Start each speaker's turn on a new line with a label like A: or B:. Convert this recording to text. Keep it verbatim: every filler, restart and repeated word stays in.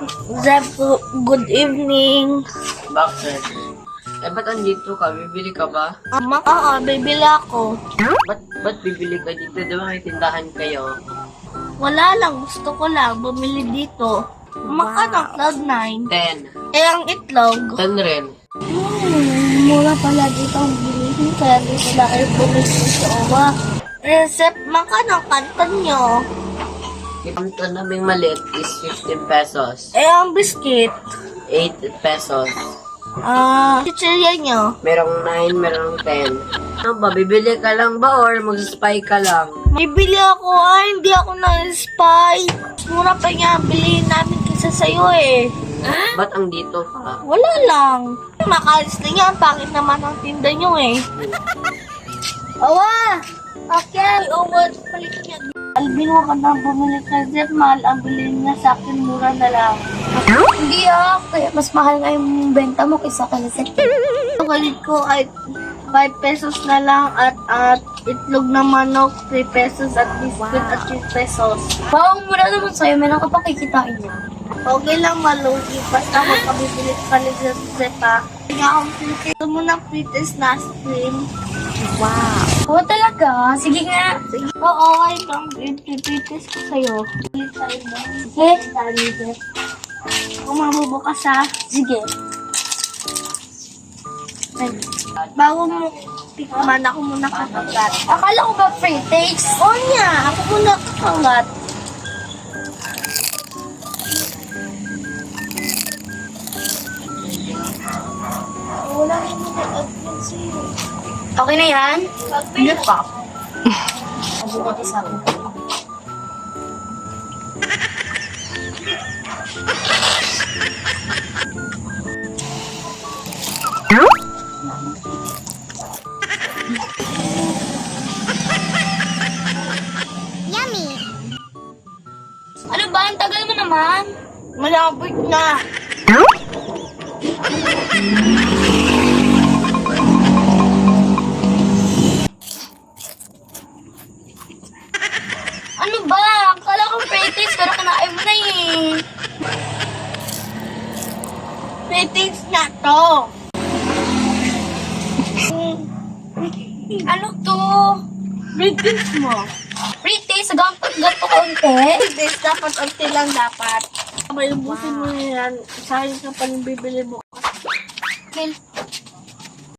A: Zeb, good evening.
B: Bakit? Eh, ba't andito ka? Bibili ka ba?
A: Ama, oo, bibili ako.
B: Ba't, ba't bibili ka dito? Di ba may tindahan kayo?
A: Wala lang, gusto ko lang bumili dito. Magkano cloud nine?
B: Ten.
A: Eh, ang itlog.
B: Ten rin.
A: Hmm, mura pala dito ang bilihin. Kaya dito na kayo bumili dito. Owa. Eh, Zeb, magkano ang kanton nyo?
B: Yung ito naming maliit is fifteen pesos.
A: Eh, ang biskit.
B: eight pesos.
A: Ah, chichirya nyo.
B: Merong nine, merong ten. Ano ba? Bibili ka lang ba or mag-spy ka lang?
A: Bibili ako, ah, hindi ako na-spy. Mura pa nga ang bilihin namin kaysa sa'yo eh.
B: Ba't ang dito ka?
A: Wala lang. Makalis na yan, pangit naman ang tinda nyo eh. Awa! Okay, over. Palit niya. Albino ka na bumili ka dyan, mahal ang bilhin niya sa akin, mura na lang.
C: Hindi ah, kaya mas mahal nga yung benta mo kaysa kalaset.
A: Ang galit ko ay five pesos na lang at at itlog na manok, three pesos at biscuit at three pesos.
C: Wow, ang mura naman sa'yo, meron ka pa kikitain niya.
A: Okay lang malugi, basta magpabibili ka ni Zepa. Kaya akong pretest. Gusto mo ng pretest na stream?
C: Wow. Oo talaga, sige nga.
A: Sige. Oo, ay lang. I-pretest ko sa'yo. Bili tayo ba?
C: Eh,
A: Dali, Zep. Kung mabubukas ha.
C: sige.
A: Ay, bago mo tikman, ako muna kakagat.
C: Akala ko ba free taste?
A: Oo niya, ako muna kakagat. Wala rin mo nag-upload sa'yo.
C: Okay na yan?
A: Hindi pa.
C: Mabukat isa ko. Ano ba? Ang tagal mo naman.
A: Malapit na.
C: Ano ba? Akala ko free taste pero kinain mo na eh.
A: Pretest na to.
C: Ano to?
A: Pretest mo.
C: Free taste, ganto ganto konti.
A: Pretest dapat unti lang dapat. May ubusin mo yan. Sayang ka pa yung bibili mo.
C: Okay.